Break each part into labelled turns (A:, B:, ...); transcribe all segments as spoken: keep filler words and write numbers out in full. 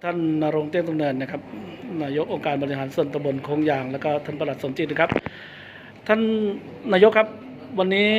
A: ท่านณรงค์เตี้ยนตุงเนินนะครับนายกองค์การบริหารส่วนตำบลโคงยางแล้วก็ท่านปลัดสมจิตนะครับท่านนายกครับวันนี้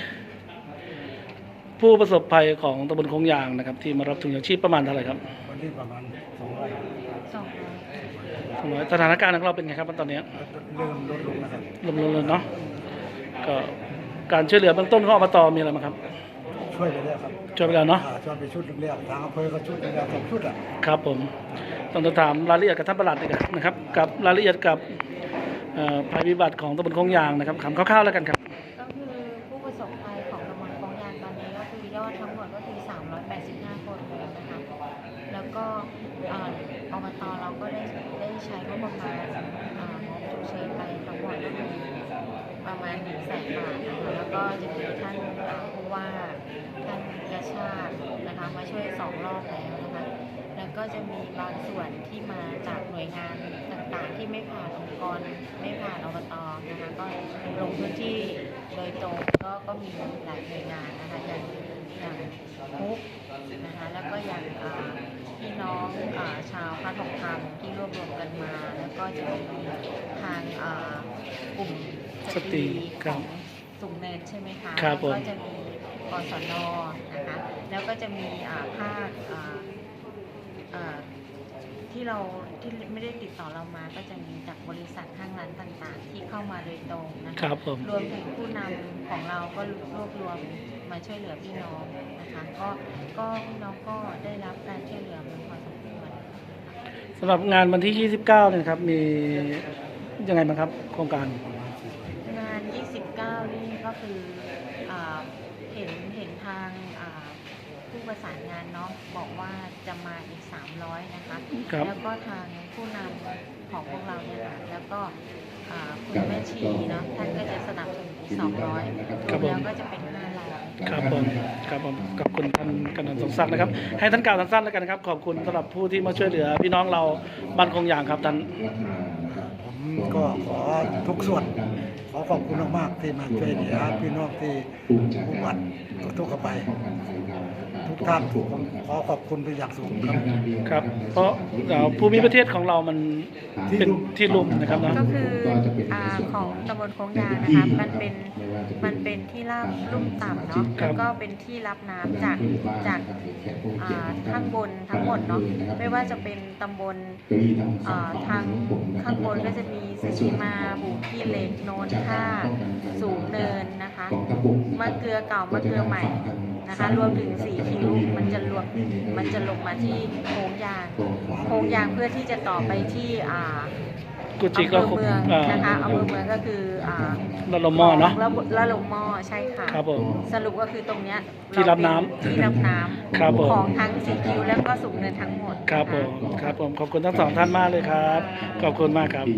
A: ผู้ประสบภัยของตำบลโคงยางนะครับที่มารับถุงยางชีพประมาณเท่าไหร่ครับ
B: วันนี้ประมาณสองร้อย
C: สองร้อย
A: สองร้อยสถานการณ์ของเราเป็นไงครับตอนนี้
B: เริ่มลดลงนะครับ
A: ลดลงเลยเนาะก็การช่วยเหลือเบื้องต้นของอบตมีอะไรบ้างครับ
B: ช่วยไปแล้วครับ
A: ช่วยไปแล้วเนาะ
B: ช่วยไปชุดแรกทางอำเภอก็ชุดแรกสองชุดอ่ะ
A: ครับผมต้องถามรายละเอียดกับท่านปลัดนะครับกับรายละเอียดกับภัยพิบัติของตำบลโคงยางนะครับถามคร่าวๆแล้วกันครับ
C: ก็คือผู้ประสบภัยของตำบลโคงยางตอนนี้ก็คือยอดทั้งหมดก็คือสามร้อยแปดสิบห้าคนเลยนะคะแล้วก็อบตเราก็ได้ได้ใช้งบประมาณงบฉุกเฉินไปทั้งหมดก็คือประมาณหนึ่งแสนบาทนะคะแล้วก็จะมีท่านผู้ว่าท่านกระชาตินะคะมาช่วยสองรอบแล้วนะคะแล้วก็จะมีบางส่วนที่มาจากหน่วยงานต่างๆที่ไม่ผ่านองค์กรไม่ผ่านอบตนะคะก็ลงพื้นที่โดยตรงก็ก็มีหลายหน่วยงานนะคะอย่างอย่างมุกนะคะแล้วก็อย่างพี่น้องชาวพัฒนธรรมที่รวบรวมกันมาแล้วก็จะมีทางกลุ่มสตรีของสูงเนินใช่ไหมคะก็จะมีกศนนะคะแล้วก็จะมีภาคที่เราที่ไม่ได้ติดต่อเรามาก็จะมีจากบริษัทห้างร้านต่างๆที่เข้ามาโดยตรงนะคะรวมถึงผู้นำของเราก็รวบรวมมาช่วยเหลือพี่น้องนะคะก็ก็พี่น้องก็ได้รับการช่วยเหลือมาพอสมควร
A: สำหรับงานวันที่ยี่สิบเก้าเนี่ยครับมียังไงบ้างครับโครงการ
C: งานยี่สิบเก้านี่ก็คือเห็นเห็นทางผู้ประสานงานเนาะบอกว่าจะมาอีกสามร้อยนะคะแล้วก็ทางผู้นำของพวกเราเนี่ยค่ะแล้วก็คุณแม่ชีเนาะท่านก็จะสนับสนุนอีกสองร้อยรวมแล้วก็จะเป็นห้าร้อย
A: ครับผมครับผมขอบคุณท่านกำนันสมศักดิ์นะครับให้ท่านกล่าวสั้นๆแล้วกันนะครับขอบคุณสำหรับผู้ที่มาช่วยเหลือพี่น้องเราบ้านโคงยางครับท่าน
B: ผมก็ขอทุกส่วนขอขอบคุณมากๆที่มาช่วยเหลือพี่น้องที่ผู้บัตรทุกข์ภัยทุกท่านผมขอขอบคุณเป็นอย่างสูงครับ
A: ครับเพราะภูมิประเทศของเรามันเป็นที่ลุ่มนะครับนะ
C: ก็คือของตำบลโคงยางนะคะมันเป็นมันเป็นที่ราบลุ่มต่ำเนาะแล้วก็เป็นที่รับน้ำจากจากข้างบนทั้งหมดเนาะไม่ว่าจะเป็นตำบลทางข้างบนก็จะมีสีมาบุกี้เหล็กโนนท่าสูงเนินนะคะมะเกลือเก่ามะเกลือใหม่นะคะรวมถึงสีคิ้วมันจะรวมมันจะลงมาที่โค้งยางโค้งยางเพื่อที่จะต่อไปที่อ่า
A: กุจิก็
C: เมืองนะคะอำเภอเมืองก็คืออ่า
A: ละลมหม้อเนาะ
C: ละลมหม้อใช่ค่ะ
A: ครับผม
C: สรุปก็คือตรงเนี้ย
A: ที่รับน้ำ
C: ที่รับน้ำของทั้งสีคิ้วแล้วก็สูงเนินทั้งหมด
A: ครับผมครับผมขอบคุณทั้งสองท่านมากเลยครับขอบคุณมากครับ